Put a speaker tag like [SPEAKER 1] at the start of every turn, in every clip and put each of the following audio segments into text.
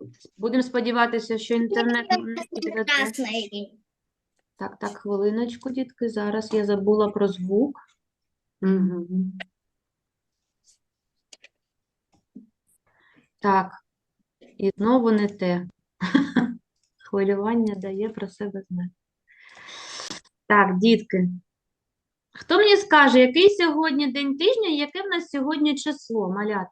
[SPEAKER 1] Будемо сподіватися, що інтернет не підведе.
[SPEAKER 2] Красный.
[SPEAKER 1] Так, хвилиночку, дітки. Зараз я забула про звук.
[SPEAKER 3] Мгм.
[SPEAKER 1] Так, і знову не те. Хвилювання дає про себе знати. Так, дітки. Хто мені скаже, який сьогодні день тижня, яке в нас сьогодні число, малят?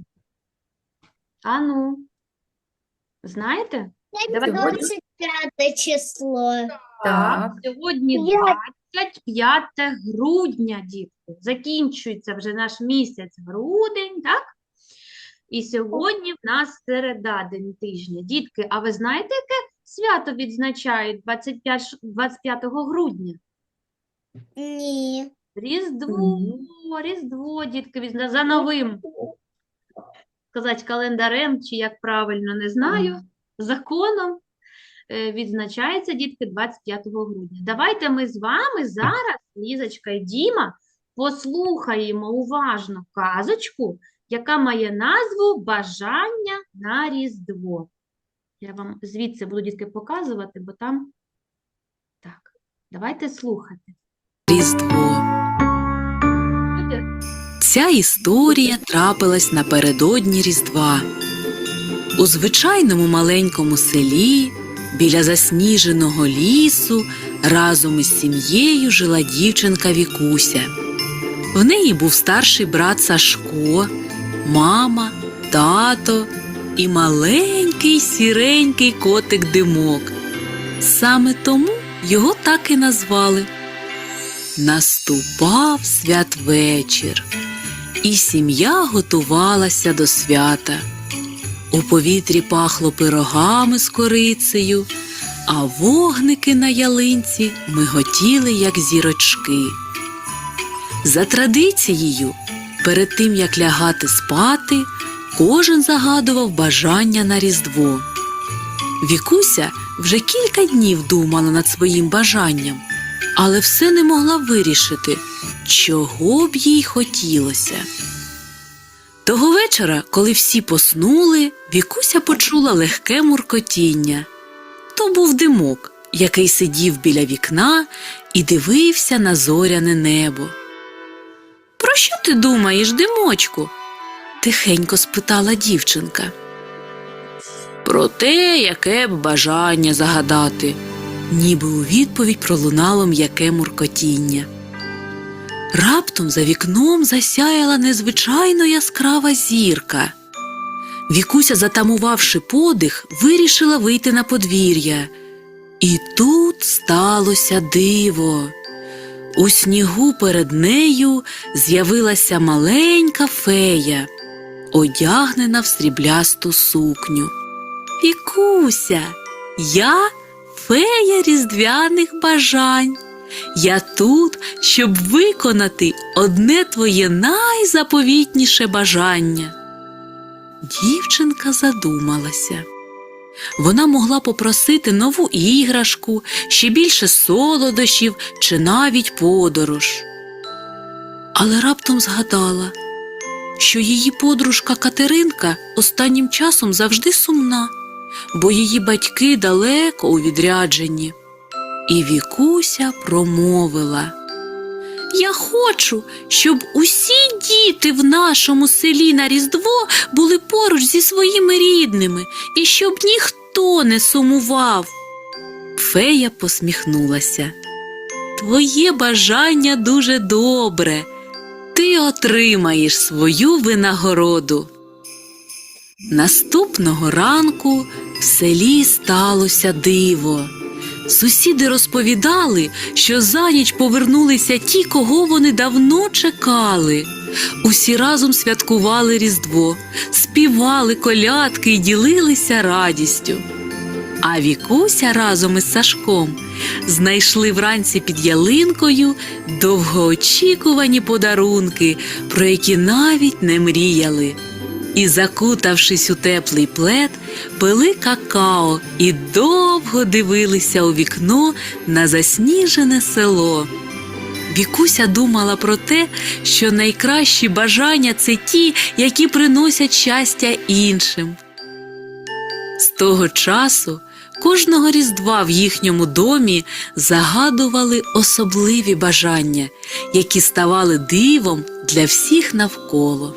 [SPEAKER 1] Ану, знаєте? Давайте.
[SPEAKER 2] 25 число.
[SPEAKER 3] Так.
[SPEAKER 1] Сьогодні 25 грудня, дітки. Закінчується вже наш місяць грудень, так? І сьогодні в нас середа, день тижня. Дітки, а ви знаєте, яке свято відзначають 25 грудня?
[SPEAKER 2] Ні.
[SPEAKER 1] Різдво, Різдво, дітки, за новим, сказати, календарем, чи як правильно, не знаю, законом відзначається, дітки, 25 грудня. Давайте ми з вами зараз, Лізочка і Діма, послухаємо уважно казочку, яка має назву «Бажання на Різдво». Я вам звідси буду, дітки, показувати, бо там... Так, давайте слухати.
[SPEAKER 4] Різдво. Ця історія трапилась напередодні Різдва. У звичайному маленькому селі, біля засніженого лісу, разом із сім'єю жила дівчинка Вікуся. В неї був старший брат Сашко, мама, тато і маленький сіренький котик Димок. Саме тому його так і назвали. Наступав святвечір, і сім'я готувалася до свята. У повітрі пахло пирогами з корицею, а вогники на ялинці миготіли, як зірочки. За традицією, перед тим, як лягати спати, кожен загадував бажання на Різдво. Вікуся вже кілька днів думала над своїм бажанням, але все не могла вирішити, чого б їй хотілося. Того вечора, коли всі поснули, Вікуся почула легке муркотіння. То був Димок, який сидів біля вікна і дивився на зоряне небо. «Про що ти думаєш, Димочку?» – тихенько спитала дівчинка. «Про те, яке б бажання загадати», – ніби у відповідь пролунало м'яке муркотіння. Раптом за вікном засяяла незвичайно яскрава зірка. Вікуся, затамувавши подих, вирішила вийти на подвір'я. І тут сталося диво. У снігу перед нею з'явилася маленька фея, одягнена в сріблясту сукню. «Вікуся, я фея різдвяних бажань. Я тут, щоб виконати одне твоє найзаповітніше бажання». Дівчинка задумалася. Вона могла попросити нову іграшку, ще більше солодощів чи навіть подорож. Але раптом згадала, що її подружка Катеринка останнім часом завжди сумна, бо її батьки далеко у відрядженні. І Вікуся промовила: «Я хочу, щоб усі діти в нашому селі на Різдво були поруч зі своїми рідними, і щоб ніхто не сумував». Фея посміхнулася. «Твоє бажання дуже добре. Ти отримаєш свою винагороду». Наступного ранку в селі сталося диво. Сусіди розповідали, що за ніч повернулися ті, кого вони давно чекали. Усі разом святкували Різдво, співали колядки і ділилися радістю. А Вікуся разом із Сашком знайшли вранці під ялинкою довгоочікувані подарунки, про які навіть не мріяли. І, закутавшись у теплий плед, пили какао і довго дивилися у вікно на засніжене село. Вікуся думала про те, що найкращі бажання – це ті, які приносять щастя іншим. того часу кожного Різдва в їхньому домі загадували особливі бажання, які ставали дивом для всіх навколо.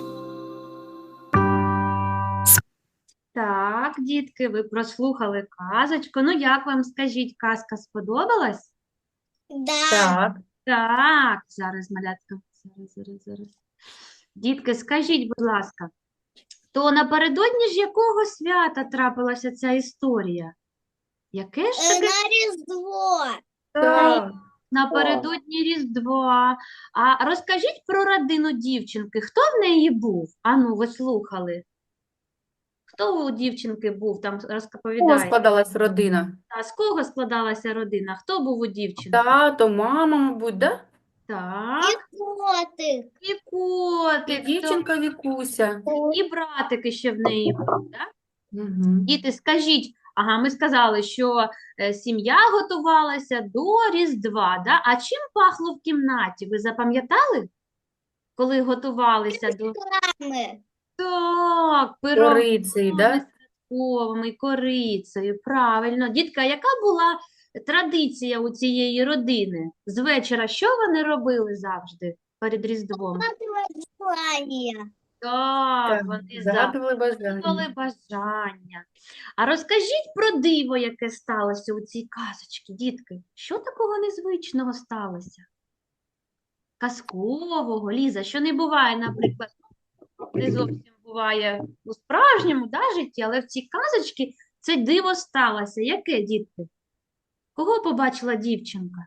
[SPEAKER 1] Так, дітки, ви прослухали казочку. Ну, як вам, скажіть, казка сподобалась?
[SPEAKER 2] Да.
[SPEAKER 3] Так.
[SPEAKER 1] Так, зараз, малятка, зараз. Дітки, скажіть, будь ласка, то напередодні ж якого свята трапилася ця історія? Яке ж таке
[SPEAKER 2] На Різдво.
[SPEAKER 3] Так.
[SPEAKER 1] напередодні Різдва? А розкажіть про родину дівчинки. Хто в неї був? Ану, ви слухали. Хто у дівчинки був? Там
[SPEAKER 3] Кого
[SPEAKER 1] розповідає.
[SPEAKER 3] складалась родина?
[SPEAKER 1] А з кого складалася родина? Хто був у дівчинки?
[SPEAKER 3] Тато, мама, мабуть, да?
[SPEAKER 1] Так,
[SPEAKER 2] І котик.
[SPEAKER 1] і
[SPEAKER 3] І
[SPEAKER 1] котик,
[SPEAKER 3] дівчинка Вікуся.
[SPEAKER 1] і братики ще в неї був, так?
[SPEAKER 3] Угу.
[SPEAKER 1] Діти, скажіть, ага, ми сказали, що сім'я готувалася до Різдва, да? А чим пахло в кімнаті? Ви запам'ятали, коли готувалися до...
[SPEAKER 2] Мами.
[SPEAKER 1] Так, пирогами
[SPEAKER 3] Корицею, да?
[SPEAKER 1] святковими, і корицею, правильно. Дітка, яка була традиція у цієї родини? З вечора що вони робили завжди перед Різдвом?
[SPEAKER 2] Желання.
[SPEAKER 1] Так,
[SPEAKER 3] Так,
[SPEAKER 1] вони
[SPEAKER 3] загадували
[SPEAKER 1] загадували
[SPEAKER 3] бажання.
[SPEAKER 1] бажання. А розкажіть про диво, яке сталося у цій казочці, дітки. Що такого незвичного сталося? Казкового, Ліза, що не буває, наприклад, не зовсім буває у справжньому житті, але в цій казочці це диво сталося. Яке, дітки? Кого побачила дівчинка?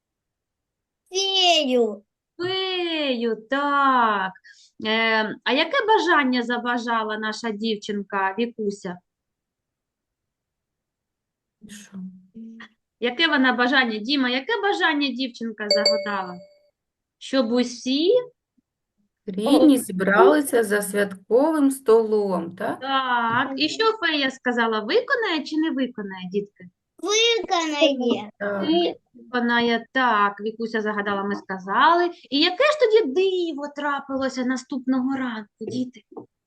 [SPEAKER 2] Фею.
[SPEAKER 1] Фею, так. А яке бажання забажала наша дівчинка Вікуся?
[SPEAKER 3] І що?
[SPEAKER 1] Яке вона бажання, Діма, яке бажання дівчинка загадала? Щоб усі,
[SPEAKER 3] Рідні зібралися за святковим столом, так?
[SPEAKER 1] так. І що фея сказала, виконає чи не виконає, дітки?
[SPEAKER 2] Виконає.
[SPEAKER 3] Так.
[SPEAKER 1] Виконає, так, Вікуся загадала, ми сказали. І яке ж тоді диво трапилося наступного ранку, діти?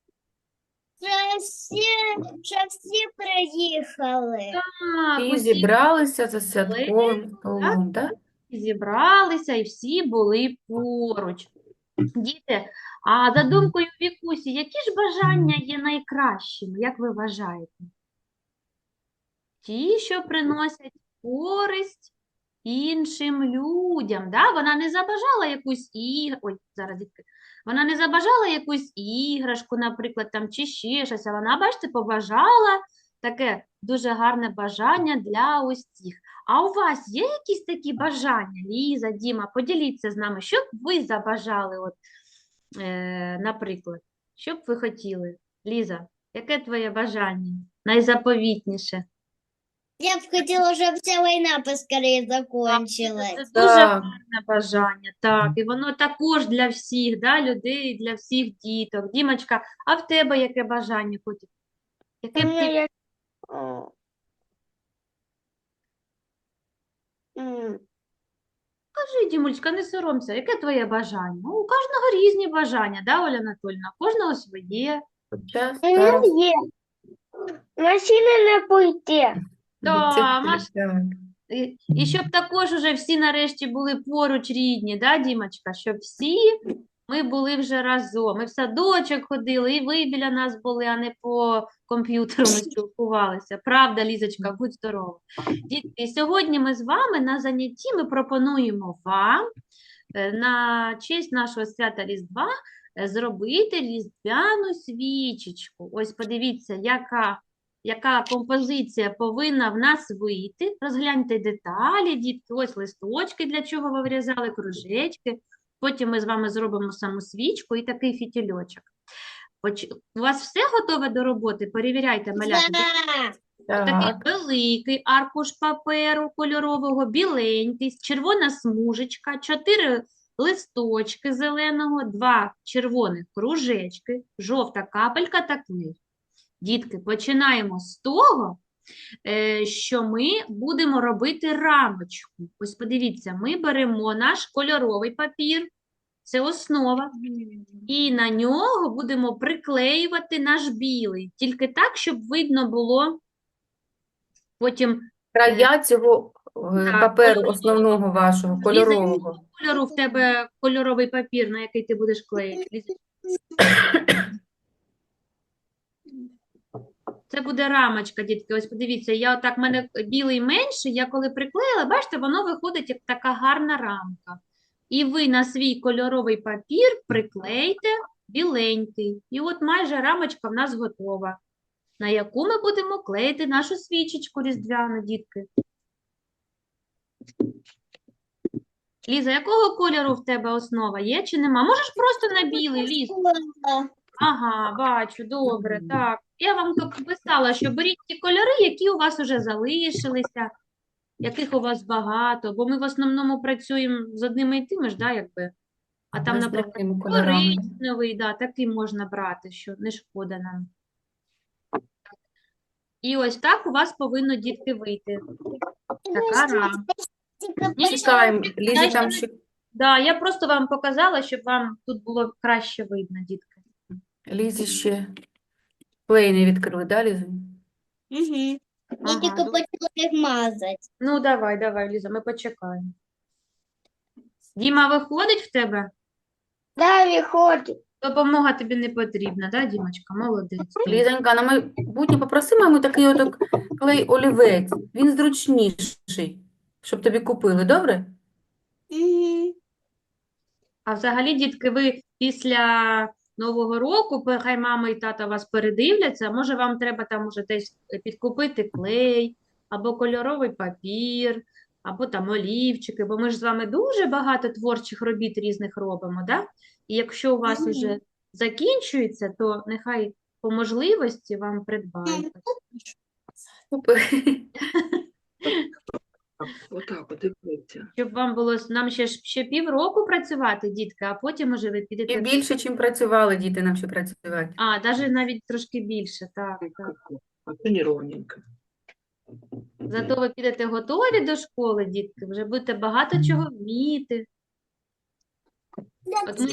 [SPEAKER 2] Що всі приїхали.
[SPEAKER 1] Так,
[SPEAKER 3] І
[SPEAKER 1] усі
[SPEAKER 3] зібралися за святковим столом, так?
[SPEAKER 1] зібралися і всі були поруч. Діти, а за думкою Вікусі, які ж бажання є найкращими, як ви вважаєте? Ті, що приносять користь іншим людям, да? Вона не забажала якусь Ой, зараз, дітки. Вона не забажала якусь іграшку, наприклад, там, чи ще щось, а вона, бачите, побажала таке дуже гарне бажання для усіх. А у вас є якісь такі бажання, Ліза, Діма? Поділіться з нами, що б ви забажали, от, наприклад, що б ви хотіли? Ліза, яке твоє бажання? Найзаповітніше?
[SPEAKER 2] Я б хотіла, щоб ця війна поскорее
[SPEAKER 1] Це
[SPEAKER 2] закончилась.
[SPEAKER 1] дуже
[SPEAKER 3] Так.
[SPEAKER 1] гарне бажання, так, і воно також для всіх, да, людей, для всіх діток. Дімочка, а в тебе яке бажання хотів? Яке б ти... Кажи, Дімулечка, не соромся, яке твоє бажання? Ну, у кожного різні бажання, да, Оля Анатольовна? У кожного своє.
[SPEAKER 3] Хоча зараз
[SPEAKER 2] є. Машини не пойти.
[SPEAKER 1] Да,
[SPEAKER 3] дітей, так.
[SPEAKER 1] І щоб також уже всі нарешті були поруч рідні, да, Дімочка? Щоб всі ми були вже разом. Ми в садочок ходили, і ви біля нас були, а не по комп'ютеру ми спілкувалися. Правда, Лізочка, будь здорова. Дітки, і сьогодні ми з вами на занятті ми пропонуємо вам на честь нашого свята Різдва зробити різдвяну свічечку. Ось подивіться, яка композиція повинна в нас вийти. Розгляньте деталі, дітки, ось листочки, для чого ви вирізали, кружечки. Потім ми з вами зробимо саму свічку і такий фітільочок. У вас все готове до роботи? Перевіряйте, малята.
[SPEAKER 2] Да.
[SPEAKER 1] Такий
[SPEAKER 3] Так.
[SPEAKER 1] великий аркуш паперу кольорового, біленький, червона смужечка, 4 листочки зеленого, 2 червоних кружечки, жовта капелька та клей. Дітки, починаємо з того, що ми будемо робити рамочку. Ось подивіться, ми беремо наш кольоровий папір, це основа, і на нього будемо приклеювати наш білий, тільки так, щоб видно було Потім
[SPEAKER 3] Края цього
[SPEAKER 1] так,
[SPEAKER 3] паперу основного вашого,
[SPEAKER 1] Ліза,
[SPEAKER 3] кольорового.
[SPEAKER 1] кольору в тебе кольоровий папір, на який ти будеш клеїти. Ліза, це буде рамочка, дітки. Ось подивіться, я отак, в мене білий менший, я коли приклеїла, бачите, воно виходить як така гарна рамка. І ви на свій кольоровий папір приклейте біленький. І от майже рамочка в нас готова, на яку ми будемо клеїти нашу свічечку різдвяну, дітки. Ліза, якого кольору в тебе основа є чи нема? Можеш просто на білий, Ліз. Ага, бачу, добре, так. Я вам тут писала, що беріть ті кольори, які у вас вже залишилися, яких у вас багато, бо ми в основному працюємо з одними і тими ж, да, якби. А там, наприклад,
[SPEAKER 3] Основними кольорами.
[SPEAKER 1] коричневий, да, такий можна брати, що не шкода нам. І ось так у вас повинно, дітки, вийти. Така рамка.
[SPEAKER 3] Чекаємо, Лізі
[SPEAKER 1] Дальше
[SPEAKER 3] там
[SPEAKER 1] ми-
[SPEAKER 3] ще,
[SPEAKER 1] Да, я просто вам показала, щоб вам тут було краще видно, дітки.
[SPEAKER 3] Лізі ще клей не відкрили, да, Ліза?
[SPEAKER 2] Угу. Я
[SPEAKER 1] Ага,
[SPEAKER 2] тільки
[SPEAKER 1] добре.
[SPEAKER 2] почала їх мазати.
[SPEAKER 1] Ну, давай, Ліза, ми почекаємо. Діма, виходить в тебе?
[SPEAKER 2] Да, виходить.
[SPEAKER 1] Допомога тобі не потрібна, да, Дімочка? Молодець.
[SPEAKER 3] Лізонька, на майбутнє попроси маму такий отак клей олівець. Він зручніший, щоб тобі купили, добре?
[SPEAKER 2] Угу.
[SPEAKER 1] А взагалі, дітки, ви після Нового року, хай мама і тата вас передивляться, може вам треба там уже десь підкупити клей, або кольоровий папір, або там олівчики, бо ми ж з вами дуже багато творчих робіт різних робимо, да? І якщо у вас
[SPEAKER 2] Мгм.
[SPEAKER 1] уже закінчується, то нехай по можливості вам придбають.
[SPEAKER 3] Супер.
[SPEAKER 5] Отак, от дивіться.
[SPEAKER 1] Щоб вам було, нам ще півроку працювати, дітки, а потім уже ви
[SPEAKER 3] І
[SPEAKER 1] підете.
[SPEAKER 3] більше, чим працювали діти нам ще працювати.
[SPEAKER 1] А, навіть трошки більше, так, так.
[SPEAKER 5] А це неровненько.
[SPEAKER 1] Зато ви підете готові до школи, дітки, вже будете багато чого вміти. От ми-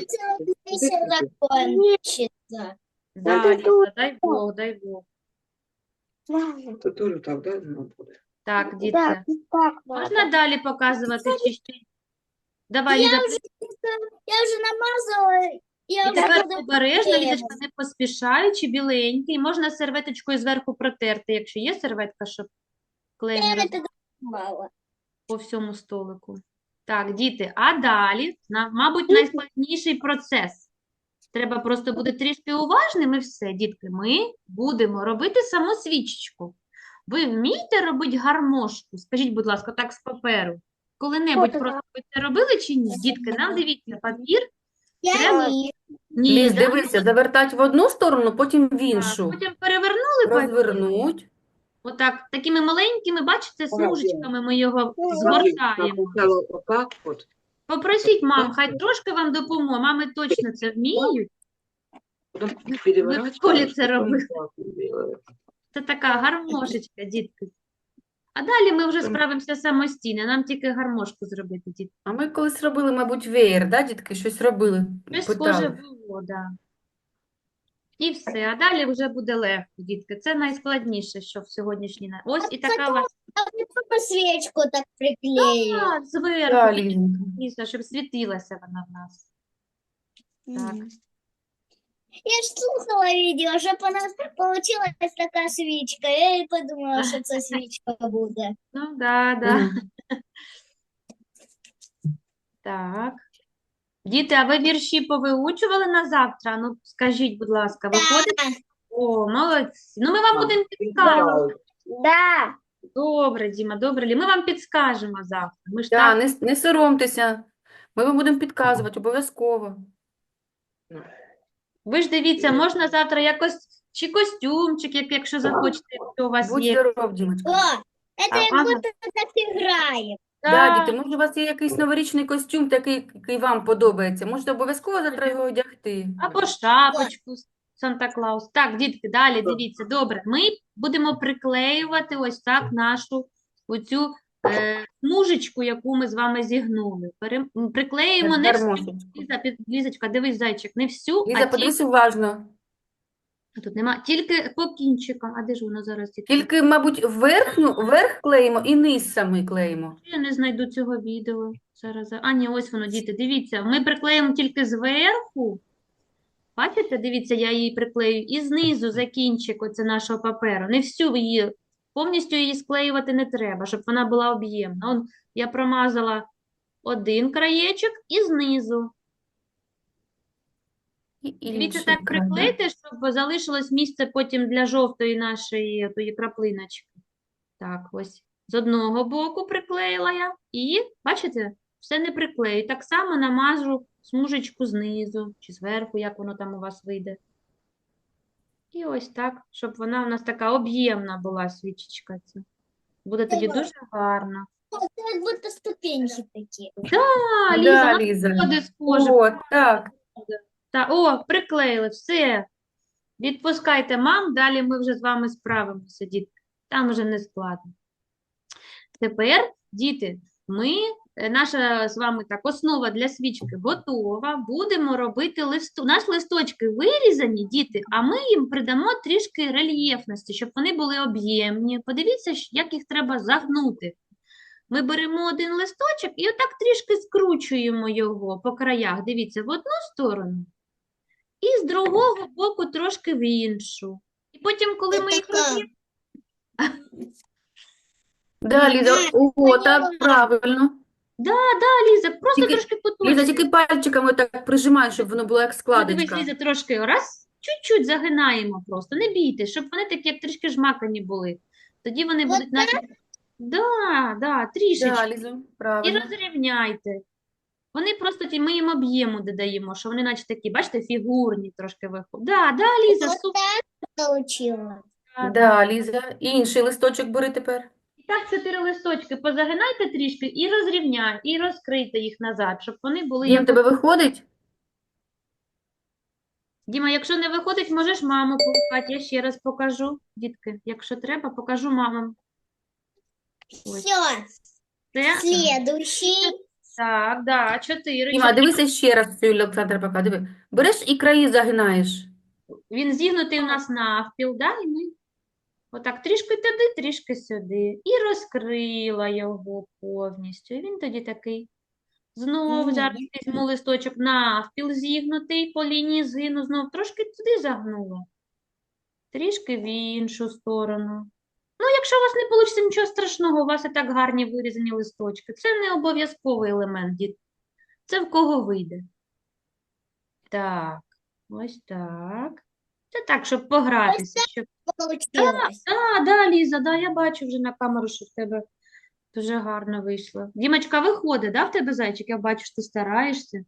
[SPEAKER 2] закончится.
[SPEAKER 1] Да, Ліза, дай Бог, дай Бог.
[SPEAKER 5] Це теж так, да, воно буде?
[SPEAKER 1] Так, дітки.
[SPEAKER 2] так.
[SPEAKER 1] Можна далі показувати чи ще? Давай, Ліза,
[SPEAKER 2] Я уже намазала. Я
[SPEAKER 1] і
[SPEAKER 2] уже
[SPEAKER 1] тепер
[SPEAKER 2] буду
[SPEAKER 1] обережно,
[SPEAKER 2] клеїти.
[SPEAKER 1] Лізочка, не поспішаючи, біленький. Можна серветочкою зверху протерти, якщо є серветка, щоб клей не роз...
[SPEAKER 2] это мало.
[SPEAKER 1] по всьому столику. Так, діти, а далі, мабуть, найскладніший процес. Треба просто бути трішки уважним і все, дітки. Ми будемо робити саму свічечку. Ви вмієте робити гармошку? Скажіть, будь ласка, так з паперу. Коли-небудь
[SPEAKER 2] Що
[SPEAKER 1] просто ви це робили чи ні? Дітки, нам дивіться, папір.
[SPEAKER 2] Я
[SPEAKER 1] Треба-
[SPEAKER 2] не.
[SPEAKER 1] Ні,
[SPEAKER 3] Ліз,
[SPEAKER 1] да?
[SPEAKER 3] дивися, завертать в одну сторону, потім в
[SPEAKER 1] Так,
[SPEAKER 3] іншу.
[SPEAKER 1] потім перевернули папір.
[SPEAKER 3] Розвернуть.
[SPEAKER 1] Отак, такими маленькими, бачите, смужечками ми його
[SPEAKER 2] Ну,
[SPEAKER 1] згортаємо.
[SPEAKER 5] Спочатку отак от.
[SPEAKER 1] Попросіть мам, хай трошки вам допоможе. Мами точно це вміють.
[SPEAKER 5] Потім переворачувати,
[SPEAKER 1] в школі це
[SPEAKER 5] потім
[SPEAKER 1] робили.
[SPEAKER 5] так робили.
[SPEAKER 1] Це така гармошечка, дітки. А далі ми вже справимося самостійно. Нам тільки гармошку зробити, дітки.
[SPEAKER 3] А ми колись робили, мабуть, веєр, да, дітки? Щось робили,
[SPEAKER 1] Щось схоже
[SPEAKER 3] питали.
[SPEAKER 1] було, да. І все. А далі вже буде легко, дітки. Це найскладніше, що в сьогоднішній. Ось і така у вас
[SPEAKER 2] А мне папа свечку так приклеил.
[SPEAKER 1] так, зверху,
[SPEAKER 3] Да,
[SPEAKER 1] і
[SPEAKER 3] Лізонька.
[SPEAKER 1] дійсно, щоб світилася вона в нас. Так.
[SPEAKER 2] Я ж слухала видео, щоб у нас получилась така свічка. Я і подумала, що це свічка буде.
[SPEAKER 1] Ну, да.
[SPEAKER 3] Мгм.
[SPEAKER 1] Так. Діти, а ви вірші повиучували на завтра? Ну, скажіть, будь ласка, виходить? О, молодці. Ну, ми вам будемо підказувати.
[SPEAKER 2] Да.
[SPEAKER 1] Добре, Діма, добре. Ми вам підскажемо завтра. Ми ж
[SPEAKER 3] Да,
[SPEAKER 1] так.
[SPEAKER 3] не соромтеся. Ми вам будемо підказувати обов'язково.
[SPEAKER 1] Ви ж дивіться, можна завтра якось чи костюмчик, якщо захочете, якщо у вас
[SPEAKER 3] Будь
[SPEAKER 1] є.
[SPEAKER 3] здоров, Дімочка.
[SPEAKER 2] О, это як
[SPEAKER 1] Ага.
[SPEAKER 2] будто так граємо.
[SPEAKER 3] Да,
[SPEAKER 1] Так,
[SPEAKER 3] діти, може, у вас є якийсь новорічний костюм, такий, який вам подобається. Можете обов'язково завтра його одягти.
[SPEAKER 1] або шапочку Санта-Клаус. Так, дітки, далі дивіться. Добре, ми будемо приклеювати ось так нашу оцю смужечку, яку ми з вами зігнули. Приклеїмо не всю.
[SPEAKER 3] Гармошечку.
[SPEAKER 1] Лізочка, дивись, зайчик, не всю,
[SPEAKER 3] Ліза,
[SPEAKER 1] а тільки
[SPEAKER 3] подивись уважно.
[SPEAKER 1] Тут нема, тільки по кінчикам. А де ж воно зараз?
[SPEAKER 3] Тільки, мабуть, верх клеїмо і низ самий клеїмо.
[SPEAKER 1] Я не знайду цього відео. Зараз. А, ні, ось воно, діти, дивіться. Ми приклеїмо тільки зверху. Бачите, дивіться, я її приклею. І знизу за кінчик оце нашого паперу. Не всю її, повністю її склеювати не треба, щоб вона була об'ємна. Он, я промазала один краєчок і знизу.
[SPEAKER 3] І
[SPEAKER 1] Дивіться,
[SPEAKER 3] інший
[SPEAKER 1] так
[SPEAKER 3] край, да?
[SPEAKER 1] приклейте, щоб залишилось місце потім для жовтої нашої тої краплиночки. Так, ось. З одного боку приклеїла я. І, бачите, все не приклею. Так само намажу смужечку знизу чи зверху, як воно там у вас вийде. І ось так, щоб вона у нас така об'ємна була свічечка ця. Буде тоді дуже гарно.
[SPEAKER 2] Это как будто ступеньки такие.
[SPEAKER 1] А, Ліза,
[SPEAKER 3] Да,
[SPEAKER 1] вона
[SPEAKER 3] Ліза.
[SPEAKER 1] сходить схоже.
[SPEAKER 3] О, так.
[SPEAKER 1] О, приклеїли, все. Відпускайте мам, далі ми вже з вами справимося, дітки. Там вже не складно. Тепер, діти, наша з вами так основа для свічки готова. Будемо робити Наші листочки вирізані, діти, а ми їм придамо трішки рельєфності, щоб вони були об'ємні. Подивіться, як їх треба загнути. Ми беремо один листочок і отак трішки скручуємо його по краях. Дивіться, в одну сторону і з другого боку трошки в іншу. І потім, коли ми їх роз'єднуємо,
[SPEAKER 3] Да, Ліза, о, так, правильно.
[SPEAKER 1] Ліза, просто
[SPEAKER 3] Тільки-
[SPEAKER 1] трошки
[SPEAKER 3] Ліза,
[SPEAKER 1] поточно.
[SPEAKER 3] тільки пальчиками так прижимай, щоб воно було як
[SPEAKER 1] Ну, дивись,
[SPEAKER 3] складочка.
[SPEAKER 1] Ліза, трошки раз, чуть-чуть загинаємо просто. Не бійтесь, щоб вони такі, як трішки жмакані були. Тоді вони
[SPEAKER 2] Вот
[SPEAKER 1] будуть наче... Да, трішечки.
[SPEAKER 3] Да, Ліза,
[SPEAKER 1] І
[SPEAKER 3] правильно.
[SPEAKER 1] розрівняйте. Вони просто ми їм об'єму додаємо, що вони наче такі, бачите, фігурні трошки виходять. Да, Ліза,
[SPEAKER 2] Вот
[SPEAKER 1] супер.
[SPEAKER 2] так получилось.
[SPEAKER 3] Да, Ліза. І інший листочок бери тепер.
[SPEAKER 1] І так 4 листочки позагинайте трішки і розрівняйте, і розкрийте їх назад, щоб вони були
[SPEAKER 3] Дім,
[SPEAKER 1] як...
[SPEAKER 3] тебе виходить?
[SPEAKER 1] Діма, якщо не виходить, можеш маму погукати. Я ще раз покажу, дітки. Якщо треба, покажу мамам. Ось.
[SPEAKER 2] Все,
[SPEAKER 1] Це,
[SPEAKER 2] следующий.
[SPEAKER 1] так, да, 4.
[SPEAKER 3] Діма, дивися ще раз цю Олександра пока. Диви. Береш і краї загинаєш.
[SPEAKER 1] Він зігнутий у нас навпіл, да, і ми отак трішки туди, трішки сюди. І розкрила його повністю. І він тоді такий. Знову
[SPEAKER 2] Мгм.
[SPEAKER 1] зараз візьму листочок навпіл зігнутий по лінії згину, знов трошки туди загнула. Трішки в іншу сторону. Ну, якщо у вас не вийде нічого страшного, у вас і так гарні вирізані листочки. Це не обов'язковий елемент, діти. Це в кого вийде. Так, ось так. Це так, щоб погратися. Щоб...
[SPEAKER 2] Получилось.
[SPEAKER 1] Ліза, я бачу вже на камеру, що в тебе дуже гарно вийшло. Дімочка, виходить, в тебе зайчик? Я бачу, що ти стараєшся.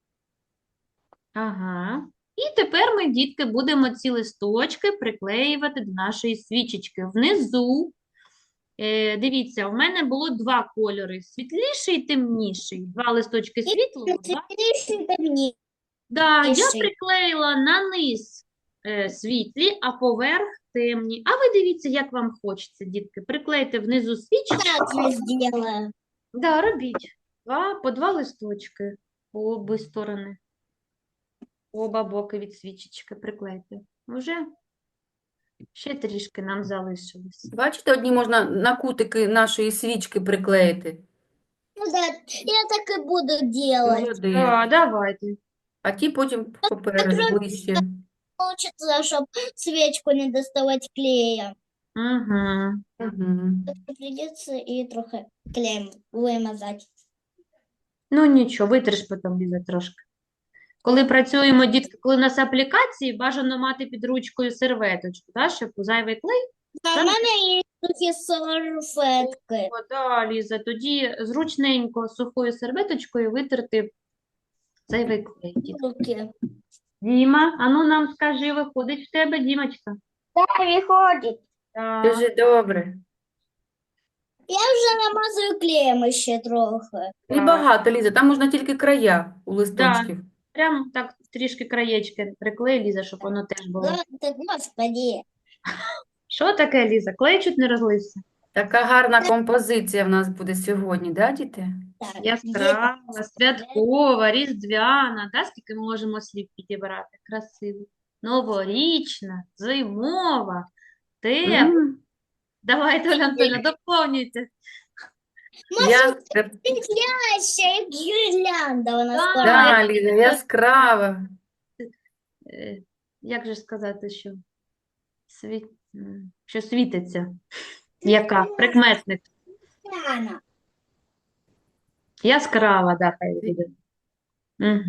[SPEAKER 1] Ага. І тепер ми, дітки, будемо ці листочки приклеювати до нашої свічечки. Внизу, дивіться, у мене було 2 кольори, світліший і темніший. 2 листочки світлого, 2
[SPEAKER 2] Следующий ко мне.
[SPEAKER 1] Да, я
[SPEAKER 2] Пиши.
[SPEAKER 1] приклеїла на низ світлі, а поверх темні. А ви дивіться, як вам хочеться, дітки. Приклейте внизу свічечку.
[SPEAKER 2] Так я сделаю.
[SPEAKER 1] Да, робіть. По 2 листочки по обі сторони. Оба боки від свічечки приклейте. Уже ще трішки нам залишилось.
[SPEAKER 3] Бачите, одні можна на кутики нашої свічки приклеїти.
[SPEAKER 2] Ну да, я так и буду делать.
[SPEAKER 3] Молодець.
[SPEAKER 1] Так, давайте.
[SPEAKER 3] А ті потім попереду ближче.
[SPEAKER 2] Получится, чтобы свечку не доставать клеем.
[SPEAKER 1] Угу.
[SPEAKER 3] Мгм.
[SPEAKER 2] Придется и трохи клеем вымазать.
[SPEAKER 1] Ну нічого, витриш потім, Ліза, трошки. Коли працюємо, дітки, коли у нас аплікації, бажано мати під ручкою серветочку, да, щоб зайвий клей.
[SPEAKER 2] А у меня есть трохи салфетки.
[SPEAKER 1] О, да, Ліза, тоді зручненько сухою серветочкою витерти зайвий клей. дітки.
[SPEAKER 2] Руки.
[SPEAKER 1] Діма, а ну нам скажи, виходить в тебе, Дімочка?
[SPEAKER 2] Да, выходит.
[SPEAKER 1] Так.
[SPEAKER 3] Дуже добре.
[SPEAKER 2] Я уже намазываю клеем еще трохи.
[SPEAKER 3] Небагато, Ліза, там можна тільки края у листочків.
[SPEAKER 1] Прям так трішки краєчки приклей, Ліза, щоб воно теж було.
[SPEAKER 2] Господи.
[SPEAKER 1] Що таке, Ліза? Клей чуть не розлився?
[SPEAKER 3] Така гарна композиція в нас буде сьогодні, да, діти?
[SPEAKER 2] Так,
[SPEAKER 1] Яскрава, святкова, різдвяна, да? Скільки ми можемо слів підібрати? Красиво. новорічна, зимова, тепла.
[SPEAKER 3] М,
[SPEAKER 1] Давайте, Оля Антонівна, доповнюйте.
[SPEAKER 2] Светлящая, як гірлянда вона
[SPEAKER 1] Так.
[SPEAKER 2] скоро.
[SPEAKER 3] Да, Ліза, яскрава.
[SPEAKER 1] Як же сказати, що що світиться? Яка? Прикметник.
[SPEAKER 2] Рано.
[SPEAKER 1] Яскрава, да, хай буде. Угу.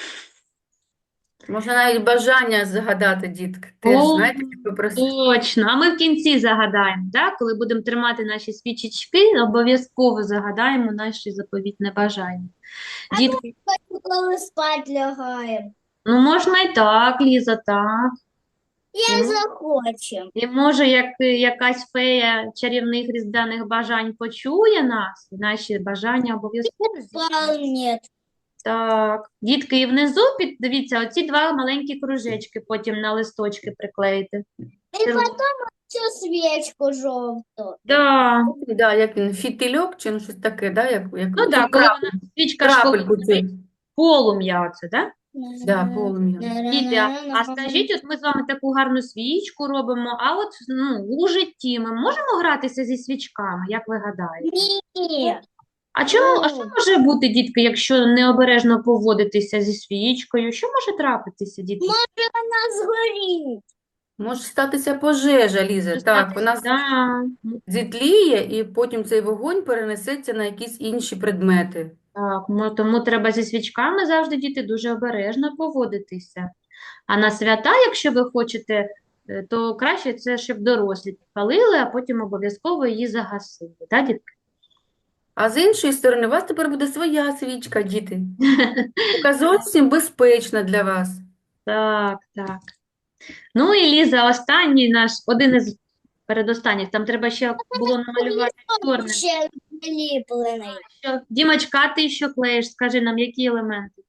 [SPEAKER 3] Можна навіть бажання загадати, дітки. Теж,
[SPEAKER 1] О,
[SPEAKER 3] знаєте, як попросити.
[SPEAKER 1] Точно. А ми в кінці загадаємо, да? Коли будемо тримати наші свічечки, обов'язково загадаємо наші заповітне бажання. Дітки,
[SPEAKER 2] Коли спать лягаємо.
[SPEAKER 1] ну можна і так, Ліза, так.
[SPEAKER 2] Як
[SPEAKER 1] Ну.
[SPEAKER 2] захочемо.
[SPEAKER 1] І може, як якась фея чарівних різдвяних бажань почує нас, і наші бажання обов'язково здійсняться.
[SPEAKER 2] Вполне.
[SPEAKER 1] Так, дітки, і внизу, дивіться, оці два маленькі кружечки потім на листочки приклеїти.
[SPEAKER 2] І потім цю свічку жовту.
[SPEAKER 1] Да.
[SPEAKER 3] Да, як він, фітильок чи ну, щось таке, да? Як
[SPEAKER 1] Ну так, коли вона свічка ж коли
[SPEAKER 3] крапельку цю.
[SPEAKER 1] горить, полум'я оце, да?
[SPEAKER 3] Да, полум'я.
[SPEAKER 1] Діти, а скажіть, от ми з вами таку гарну свічку робимо, а от у житті ми можемо гратися зі свічками, як ви гадаєте?
[SPEAKER 2] Ні.
[SPEAKER 1] А що може бути, дітки, якщо необережно поводитися зі свічкою? Що може трапитися, дітки?
[SPEAKER 2] Вона згорить.
[SPEAKER 3] Може статися пожежа, Ліза. Так, вона
[SPEAKER 1] Да.
[SPEAKER 3] зітліє і потім цей вогонь перенесеться на якісь інші предмети.
[SPEAKER 1] Так, тому треба зі свічками завжди, діти, дуже обережно поводитися. А на свята, якщо ви хочете, то краще це, щоб дорослі підпалили, а потім обов'язково її загасили. Так, дітки?
[SPEAKER 3] А з іншої сторони, у вас тепер буде своя свічка, діти. Яка зовсім безпечна для вас.
[SPEAKER 1] Так, так. Ну і Ліза, останній наш, один із передостанніх, там треба ще було намалювати чорним.
[SPEAKER 2] Ще наліплений.
[SPEAKER 1] Дімочка, ти що клеїш? Скажи нам, які елементи?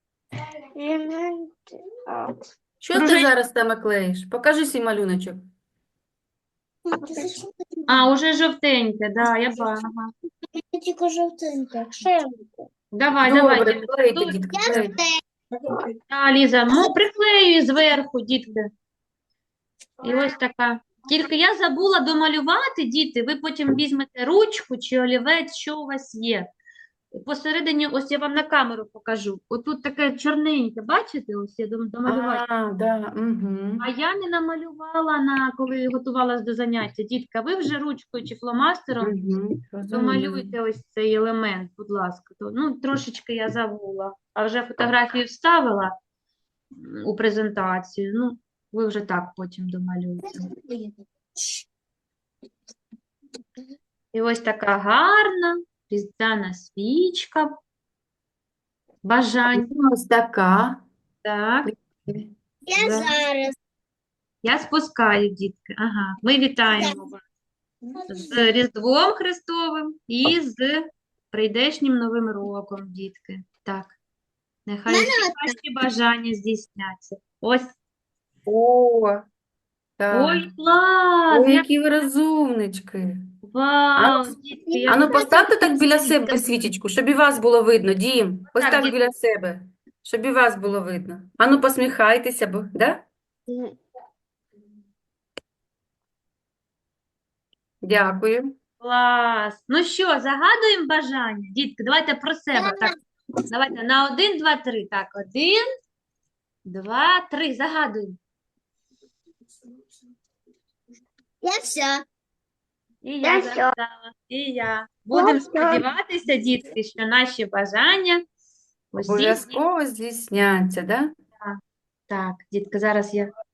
[SPEAKER 3] Що ти
[SPEAKER 1] Кружечки.
[SPEAKER 3] зараз саме клеїш? Покажи свій малюночок.
[SPEAKER 1] А, уже жовтеньке, да, я бачу. Ага.
[SPEAKER 2] Тільки жовтенька. Шемку.
[SPEAKER 1] Давай,
[SPEAKER 3] Добре,
[SPEAKER 1] Дім.
[SPEAKER 3] клейте,
[SPEAKER 1] Тут-
[SPEAKER 3] дітки, клейте.
[SPEAKER 1] А, Ліза, приклеюй зверху, дітки. І ось така. Тільки я забула домалювати, діти, ви потім візьмете ручку чи олівець, що у вас є. Посередині, ось я вам на камеру покажу. Отут таке чорненьке, бачите? Ось я домалювала.
[SPEAKER 3] А, да, угу.
[SPEAKER 1] А я не намалювала, коли готувалась до заняття. Дітка, ви вже ручкою чи фломастером домалюйте ось цей елемент, будь ласка. Трошечки я забула, а вже фотографію вставила у презентацію. Ну, ви вже так потім домалюєте. І ось така гарна різдвяна свічка. Бажань.
[SPEAKER 3] Ось така.
[SPEAKER 1] Так,
[SPEAKER 2] Я
[SPEAKER 1] Да.
[SPEAKER 2] зараз.
[SPEAKER 1] я спускаю, дітки. Ага, ми вітаємо вас з Різдвом Христовим і з прийдешнім Новим роком, дітки. Так, нехай всі ваші бажання здійсняться. Ось,
[SPEAKER 3] О, так.
[SPEAKER 1] ой, клас!
[SPEAKER 3] Ой, які ви розумнички.
[SPEAKER 1] Вау, дітки, я
[SPEAKER 3] Ану, поставте так біля себе свічечку, щоб і вас було видно, Дім. Ось
[SPEAKER 1] Так,
[SPEAKER 3] так
[SPEAKER 1] дід-
[SPEAKER 3] біля себе, щоб і вас було видно. Ану, посміхайтеся, да? Дякую.
[SPEAKER 1] клас. Ну що, загадуємо бажання? Дітки, давайте про себе. Так, давайте на 1, 2, 3. Так, 1, 2, 3. Загадуємо.
[SPEAKER 2] Я все.
[SPEAKER 1] І я загадала, і я. Будемо сподіватися, дітки, що наші бажання усі
[SPEAKER 3] Обов'язково здійсняться, да?
[SPEAKER 1] Так, дітки, зараз я